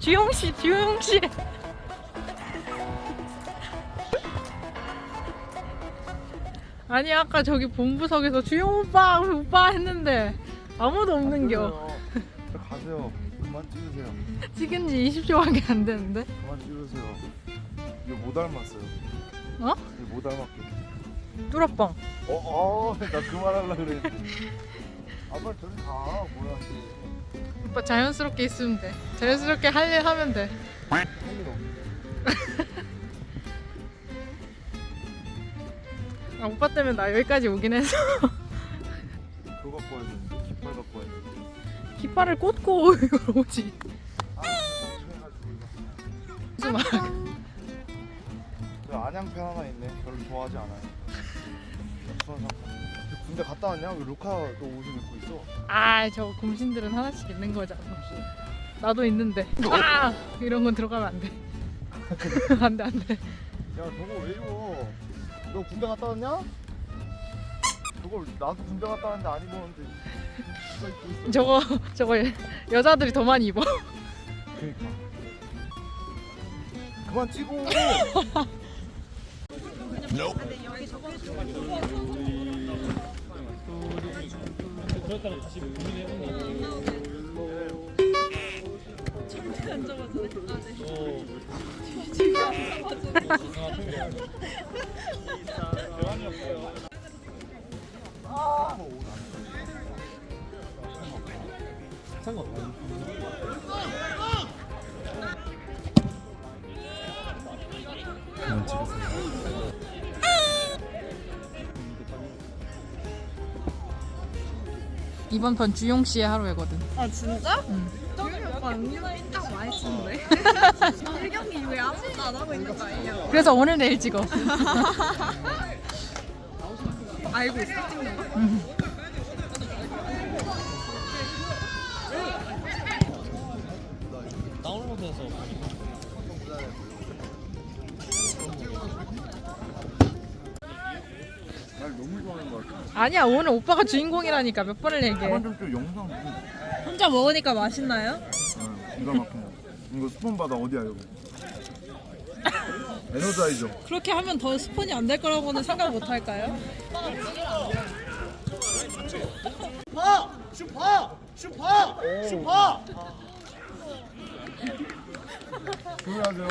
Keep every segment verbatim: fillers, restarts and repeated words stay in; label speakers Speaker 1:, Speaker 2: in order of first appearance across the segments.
Speaker 1: 주용씨 주용씨. 아니 아까 저기 본부석에서 주용 오빠 오빠 했는데 아무도 없는겨.
Speaker 2: 저 가세요. 그만 찍으세요.
Speaker 1: 찍은 지 이십 초밖에 안 됐는데.
Speaker 2: 그만 찍으세요. 이거 못 닮았어요.
Speaker 1: 어?
Speaker 2: 이거 못 닮았게.
Speaker 1: 뚜러뻥.
Speaker 2: 어, 어, 나 그만하려 그래. 아, 빨리 저리 가. 뭐야 이게.
Speaker 1: 오빠 자연스럽게 있으면 돼. 자연스럽게 할 일 하면 돼.
Speaker 2: 할 일 없네.
Speaker 1: 아, 오빠 때문에 나 여기까지 오긴 했어.
Speaker 2: 그거 갖고 와야 되는데 깃발 갖고 와야 되는데.
Speaker 1: 깃발을 꽂고 이걸 오지.
Speaker 2: 아,
Speaker 1: 무슨 말?
Speaker 2: 저 안양팬 하나 있네. 별로 좋아하지 않아요. 수원상. 군대 갔다 왔냐? 왜 루카도 옷을 입고 있어?
Speaker 1: 아, 저 곰신들은 하나씩 있는 거잖아. 나도 있는데. 아! 이런 건 들어가면 안 돼. 안 돼, 안 돼.
Speaker 2: 야, 저거 왜 입어? 너 군대 갔다 왔냐? 저걸 나도 군대 갔다 왔는데 안 입었는데 누가 입고 있어?
Speaker 1: 저거, 저거 여자들이 더 많이 입어.
Speaker 2: 그러니까. 그만 찍어.
Speaker 3: 그렇다고 다시 고민해보면 절대 안 잡아주네. 대환이 없어요. 상관없어요.
Speaker 2: 그만 찍으세요.
Speaker 1: 이번 편 주용 씨의 하루이거든.
Speaker 4: 아 진짜?
Speaker 1: 응.
Speaker 4: 저기 오빠 은근히 인당 많이 치는데 일 경기 왜 아무것도 안 하고 있는 거 아니냐?
Speaker 1: 그래서 오늘 내일 찍어.
Speaker 4: 알고 있어 찍는 거?
Speaker 1: 응.
Speaker 3: 다운로드해서
Speaker 2: 날 너무 좋아하는 것 같아.
Speaker 1: 아니야, 오늘 오빠가 주인공이라니까 몇 번을 얘기해.
Speaker 2: 그만 좀좀 영상 좀.
Speaker 4: 혼자 먹으니까 맛있나요?
Speaker 2: 응, 기가 막힌 거. 이거 스폰 받아 어디야 이거? 에너자이저.
Speaker 4: 그렇게 하면 더 스폰이 안 될 거라고는 생각 못 할까요?
Speaker 5: 슈퍼! 슈퍼! 슈퍼! 슈퍼!
Speaker 2: 조용하세요.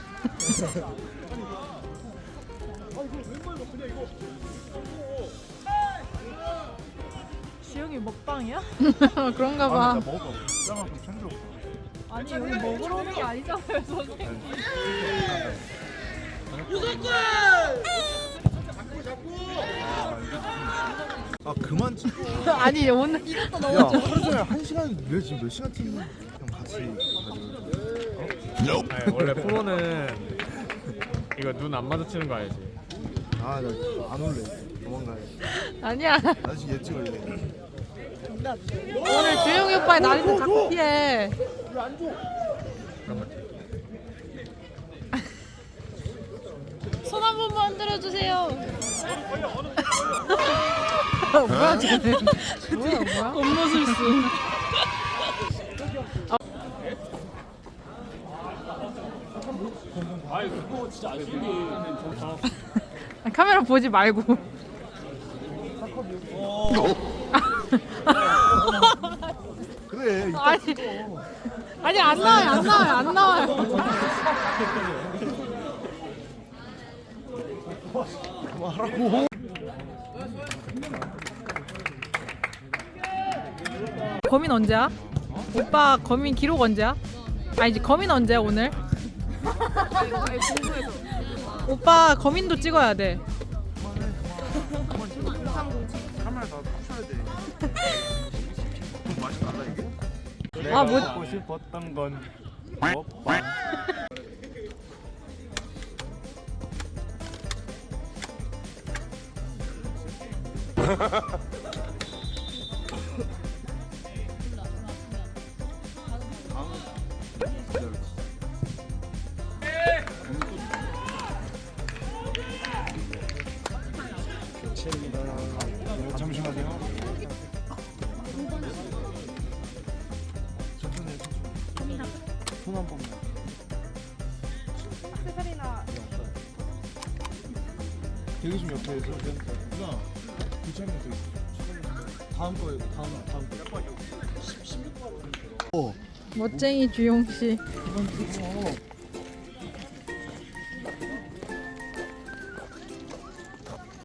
Speaker 4: 지영이 먹방이야?
Speaker 1: 그런가
Speaker 2: 아,
Speaker 1: 봐.
Speaker 2: 나 먹을 거 짱만큼 챙겨.
Speaker 4: 아니 여기 먹으러 오는 게 아니잖아요 선생님.
Speaker 2: 아 그만 찍어.
Speaker 1: 아니, 오늘.
Speaker 2: 야 하루 종일 한 시간 왜 지금 몇 시간 찍는 거야? 형 같이 가지고.
Speaker 6: 아니, 원래 프로는 이거 눈 안 마주치는 거 알지?
Speaker 2: 아나 안 올래. 도망가야.
Speaker 1: 아니야.
Speaker 2: 나 지금 얘 찍어야 돼.
Speaker 1: 오늘 주용이 오빠의 날인데 자꾸 피해. 손 한 번만 흔들어 주세요. 뭐야 쟤는? 뭐야 뭐야? 겉모술수.
Speaker 3: 아이 그거 진짜 안 쓰기는 좋다.
Speaker 1: 카메라 보지 말고.
Speaker 2: 그래. 이따
Speaker 1: 아니 아니 안 나와요 안 나와요 안 나와요.
Speaker 2: 그만하라고.
Speaker 1: 거민 언제야? 오빠 거민 기록 언제야? 아니지 거민 언제야 오늘? 오빠 거민도 찍어야 돼.
Speaker 2: 카메라 다 탑셔야 돼. 맛이 달라 이게?
Speaker 6: 내가
Speaker 1: 아, 뭐-
Speaker 6: 먹고 싶었던 건 먹방.
Speaker 2: 잠시만요. 천천히 해, 천천히. 손 한 번만.
Speaker 4: 액세서리나
Speaker 2: 대기 좀 옆에 있어. 누나, 괜찮으면 되게. 다음 거예요. 다음 다음 거.
Speaker 1: 멋쟁이 주용 씨.
Speaker 2: 이건 그거.